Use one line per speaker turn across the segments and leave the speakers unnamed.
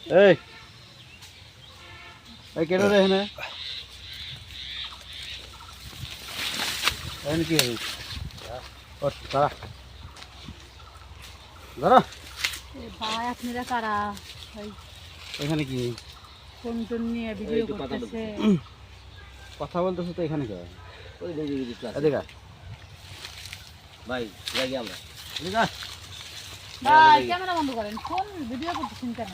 এই এই কেন রে এখানে এখানে কি হবে ও দাঁড়া দাঁড়া
ভাই আপনারা কারা ভাই
এখানে কি
ফোন টোন নিয়ে ভিডিও করতেছে
কথা বলতেছো তো এখানে কে
ওই দেখি
এদিকে
ভাই যাই আমরা
এদিকে
ভাই ক্যামেরা বন্ধ করেন ফোন ভিডিও করতেছেন কেন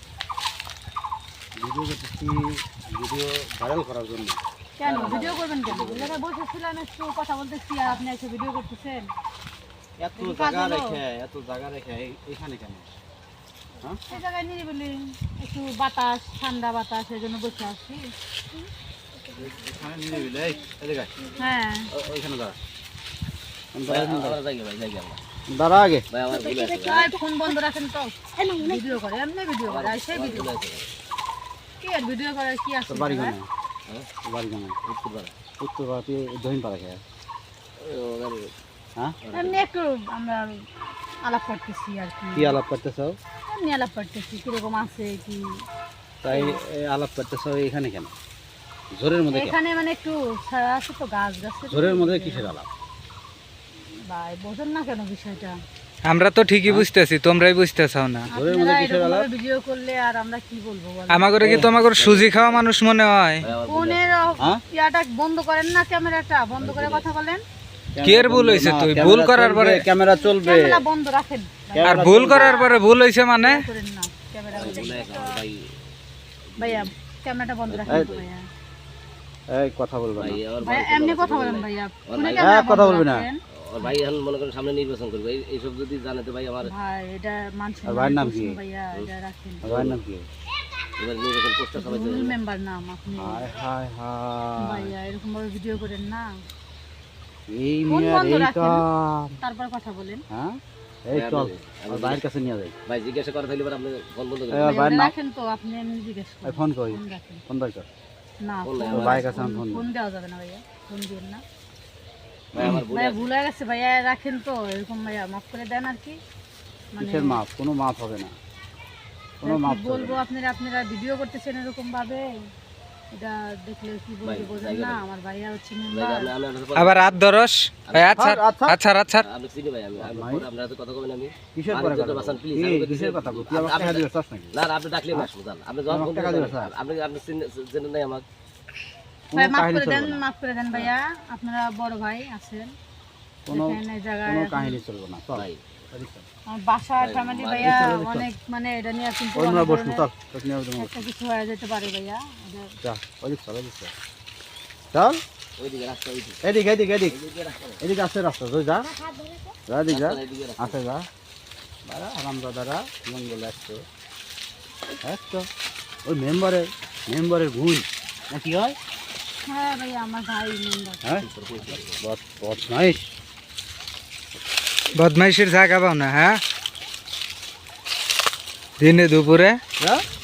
ভিডিও করতেছি ভিডিও ভাইরাল করার জন্য
কেন ভিডিও করবেন কেন জায়গায় বসেছিলাম একটু কথা বলতেছি আর আপনি এসে ভিডিও করতেছেন
এত জায়গা রেখে এখানে কেন হ্যাঁ
এই জায়গায় নিরিবিলি একটু বাতাস ঠান্ডা বাতাস এই জন্য বসে আসছি
এখানে নিয়ে নিবি এই এদিকে
হ্যাঁ
ওইখানে দাঁড়া
আমরা যাই আমরা
দাঁড়া আগে
ভাই আমার ভুল আছে
ভাই ফোন বন্ধ রাখেন তো ভিডিও করে এমনি ভিডিও করে আর সেই ভিডিও কি আর ভিডিও করে কি আছে
তোর বাড়ি
ভাই?
কেন বাড়ি কেন
উত্তরপাড়া
উত্তর ভারতে দহিন পাড়া খেয়ে
ও গাড়ি
হ্যাঁ
এমনি একটু আমরা আলাপ করতেছি আর কি
কি আলাপ করতেছো
এমনি আলাপ করতেছি কিরকম আছে কি
তাই আলাপ করতেছো এখানে কেন জোরের মধ্যে কেন?
এখানে মানে একটু ছায়া আছে তো গাছ গাছে
জোরের মধ্যে কিসের আলাপ
ভাই বোঝেন না কেন বিষয়টা
আমরা তো ঠিকই বুঝতেছি তোমরাই বুঝতেছাও না
জোরের মধ্যে কিসের আলাপ
ভিডিও করলে আর আমরা কি বলবো বলো?
আমাগরে কি তোমাগর সুজি খাওয়া মানুষ মনে হয়
ভাই আমার ভুল
ফোনের
হ্যাঁ?
ইয়াটা বন্ধ করেন না ক্যামেরাটা বন্ধ করে কথা বলেন
কি এর ভুল হইছে
না,
তুই?
ক্যামেরা
ভুল করার
চলবে,
পরে-
ক্যামেরা চলবে
ক্যামেরা বন্ধ রাখেন
আর ভুল করার পরে ভুল হইছে মানে
করেন না ক্যামেরা
ভুল হয়ে গেছে, ভাই
ভাইয়া ক্যামেরাটা বন্ধ রাখেন তো ভাইয়া
এই কথা বলবা না
ভাই আমার
ভাইয়া এমনি কথা বলেন ভাইয়া ফোনে
ভাই-
ক্যামেরা
কথা
বন্ধ
বলবি না।
রাখেন।
ওর ভাই এখন মনে করেন সামনে নির্বাচন করবে এইসব যদি জানে তো ভাই আমার
ভাই এটা মানুষ
আর ভাইয়ের নাম কি?
ভাইয়া এটা রাখেন
ভাইয়ের নাম কি
এবার নির্বাচন পোস্টার সবাই
রুল মেম্বার নাম আপনি
হায় হায় হায়
ভাইয়া এরকম ভাবে ভিডিও করেন না
এই
ফোন
মিয়ার
বন্ধ
এই
রাখেন।
কাম
তারপর কথা বলেন
হ্যাঁ এই চল আর ভাইয়ের কাছে নিয়ে যাই
ভাই জিজ্ঞাসা করা থাকলে এবার আপনি ফোন বন্ধ
এই
করেন
আর
ভাইয়া,
ভাইয়ের
ওটা
নাম
রাখেন তো আপনি এমনি জিজ্ঞেস
এই
করেন
ফোন কই
ফোন রাখেন
ফোন দরকার
না
ফোন নাই,
ফোন-
আমার ভাইয়ের কাছে আমি ফোন
ফোন দেওয়া যাবে না ভাইয়া ফোন দিন না
ভাই আমার ভুল
ভাইয়া
আছে।
ভুল হয়ে গেছে ভাইয়া রাখেন তো এরকম ভাইয়া মাফ করে দেন আর কি মানে
কিসের মাপ কোনো মাপ হবে না কোনো
কি
মাপ চলবে
বলবো
না।
আপনারা আপনারা ভিডিও করতেছেন এরকম ভাবে এটা দেখলে কি বলবো
ভাই,
বোঝেন
জায়গা
না
নেই।
আমার ভাইয়া হচ্ছে
ভাই,
মেম্বার
আমি আপনার সাথে
আবার রাত দরস আচ্ছা
আচ্ছা।
আচ্ছা আচ্ছা
আমি চিনি ভাই আমি
ভাই।
পরে আপনার সাথে কথা বলেন আমি
কিসের
আমি
পরে
যত
কথা
বাঁচান,
বলবো?
please,
এই,
আমি বলতেছি-
কিসের কথা বলবো? তুই আমার
আপনি-
টাকা দিবে চাস নাকি?
না না, আপনি ডাকলে না শুনজান আপনি যখন
আমাকে
বলতে
টাকা দিবে,
চান,
স্যার।
আপনি আপনি জেনে নাই আমাকে
ভাই
কোনো
মাফ
কাহিনী
করে দেন
চলবে না।
মাফ করে দেন ভাইয়া আপনারা বড় ভাই আছেন
কোনো
এখানে জায়গায়
কোনো
এখন-
কাহিনী চলবে না চল
ভাই
এদিক চল।
আমার বাসা
ভাই,
ফ্যামিলি
মার
ভাইয়া
চল, চল।
অনেক মানে এটা নিয়ে কিন্তু
ওই আমরা
অনেক
বসবো
ধরনের
চল তোকে নিয়ে যাবো
একটা কিছু হয়ে যেতে পারে ভাইয়া এটা-
যা ওদিক চল ওদিক চল চল
ওইদিকে রাস্তা ওইদিকে
এদিক এদিক এদিক
এইদিকে রাস্তা
এদিকে আছে রাস্তা তুই যা যা এদিক যা
এইদিকে রাস্তা
আছে যা দাঁড়া আরাম দাদারা মঙ্গল আসতো একতো ওই মেম্বারের গুণ না কি হয়
হ্যাঁ ভাইয়া আমার ভাই মেম্বার
হ্যাঁ বদমাইশ
বদমাইশের জায়গা পাও না হ্যাঁ দিনে দুপুরে
যা